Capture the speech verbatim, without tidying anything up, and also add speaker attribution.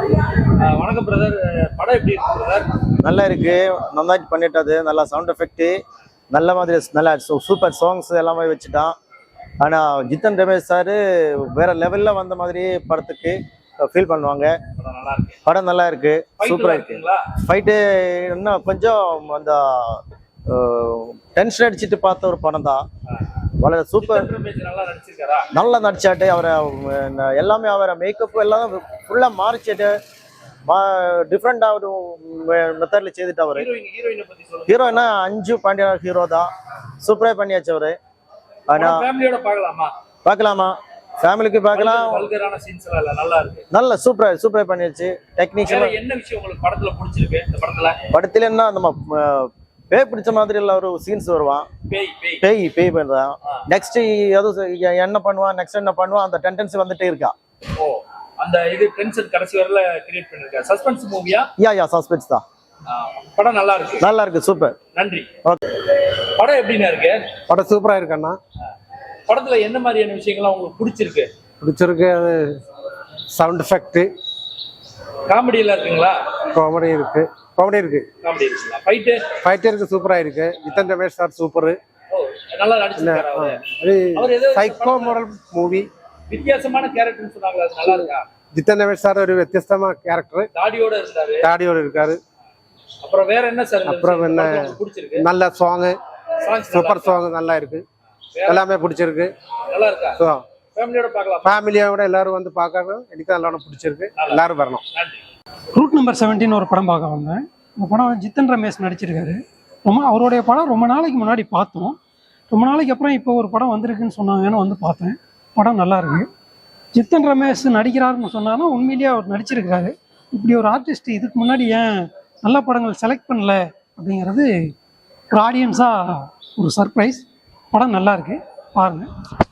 Speaker 1: வணக்கம் பிரதர். படம் எப்படி இருக்கு பிரதர்?
Speaker 2: நல்லா இருக்கு. நல்லா பண்ணிட்டது. நல்லா சவுண்ட் எஃபெக்ட் நல்ல மாதிரி நல்லா சூப்பர் சாங்ஸ் எல்லாமே வச்சுட்டான். ஆனால் ஜித்தன் ரமேஷ் சார் வேற லெவலில் வந்த மாதிரி படத்துக்கு ஃபீல் பண்ணுவாங்க. படம் நல்லா இருக்கு, சூப்பராக இருக்கு. ஃபைட்டு இன்னும் கொஞ்சம் அந்த டென்ஷன் அடிச்சுட்டு பார்த்த ஒரு படம் தான். വളരെ சூப்பர். நல்லா நடிச்சாட்டு அவரை எல்லாமே அவரை மேக்கப் எல்லாம் ஃபுல்லாக மாறிச்சிட்டு டிஃப்ரெண்டாக ஒரு மெத்தடில் செய்துட்டு அவர். ஹீரோயினா அஞ்சு பாண்டியா ஹீரோ தான். சூப்பராக பண்ணியாச்சு அவரு. ஆனால் பார்க்கலாமா, ஃபேமிலிக்கு பார்க்கலாம். நல்ல சூப்பராக சூப்பராக பண்ணியாச்சு. டெக்னீஷியன்
Speaker 1: என்ன விஷயம் உங்களுக்கு படத்தில் பிடிச்சிருக்கு? இந்த படத்தில்
Speaker 2: படத்துல என்ன நம்ம பேய் பிடிச்ச மாதிரி எல்லாம் ஒரு சீன்ஸ் வருவான். பேய் பேய் பண்றான். நெக்ஸ்ட் எதுவும் என்ன பண்ணுவான், நெக்ஸ்ட் என்ன பண்ணுவான், அந்த டெண்டன்சி வந்துட்டே இருக்கா.
Speaker 1: ஓ, அந்த இது டென்ஷன் கடைசி வரல கிரியேட் பண்ணிருக்கா. சஸ்பென்ஸ் மூவியா?
Speaker 2: யா யா சஸ்பென்ஸ் தான்.
Speaker 1: படம் நல்லா இருக்கு.
Speaker 2: நல்லா இருக்கு, சூப்பர்.
Speaker 1: நன்றி. ஓகே, படம் எப்படின்னா இருக்கு?
Speaker 3: படம் சூப்பரா இருக்கு அண்ணா.
Speaker 1: படத்துல என்ன மாதிரியான விஷயங்கள்லாம் உங்களுக்கு பிடிச்சிருக்கு?
Speaker 3: பிடிச்சிருக்கு அது சவுண்ட் எஃபெக்ட்.
Speaker 1: காமெடி எல்லாம் இருக்குங்களா?
Speaker 3: காமெடி இருக்கு, காமெடி இருக்கு.
Speaker 1: காமெடி இருக்குங்களா? ஃபைட்
Speaker 3: ஃபைட் இருக்கு, சூப்பரா இருக்கு. Jithan Ramesh sir super.
Speaker 1: ஓ, நல்லா நடிச்சிருக்காரு அவரு.
Speaker 3: அவர் ஏதோ சைக்கோ மாடல் மூவி.
Speaker 1: வித்தியாசமான கேரக்டர்னு சொன்னாங்க, அது நல்லா இருக்கா?
Speaker 3: ஜித்தன் ரமேஷ் சார் ஒரு வித்தியாசமான கேரக்டர்.
Speaker 1: தாடியோட இருந்தாரு.
Speaker 3: தாடியோட இருக்காரு.
Speaker 1: அப்புறம் வேற என்ன சார்?
Speaker 3: அப்புறம் என்ன
Speaker 1: பிடிச்சிருக்கு?
Speaker 3: நல்ல சாங், சூப்பர் சாங் நல்லா இருக்கு. எல்லாமே பிடிச்சிருக்கு.
Speaker 1: நல்லா இருக்கா? ஃபேமிலியோட பார்க்கலாம்.
Speaker 3: ஃபேமிலியோட எல்லாரும் வந்து பார்க்கணும். எனக்கு எல்லாரும் பிடிச்சிருக்கு. எல்லாரும் வரணும்.
Speaker 4: ரூட் நம்பர் செவன்டீன் ஒரு படம் பார்க்க வந்தேன். இந்த படம் ஜித்தன் ரமேஷ் நடிச்சிருக்காரு. ரொம்ப அவருடைய படம் ரொம்ப நாளைக்கு முன்னாடி பார்த்தோம். ரொம்ப நாளைக்கு அப்புறம் இப்போ ஒரு படம் வந்திருக்குன்னு சொன்னாங்கன்னு வந்து பார்த்தேன். படம் நல்லா இருக்கு. ஜித்தன் ரமேஷ் நடிக்கிறாருன்னு சொன்னாலும் உண்மையிலேயே அவர் நடிச்சிருக்கிறாரு. இப்படி ஒரு ஆர்டிஸ்ட் இதுக்கு முன்னாடி ஏன் நல்ல படங்கள் செலக்ட் பண்ணல அப்படிங்கிறது ஒரு ஆடியன்ஸாக ஒரு சர்ப்ரைஸ். படம் நல்லா இருக்கு, பாருங்கள்.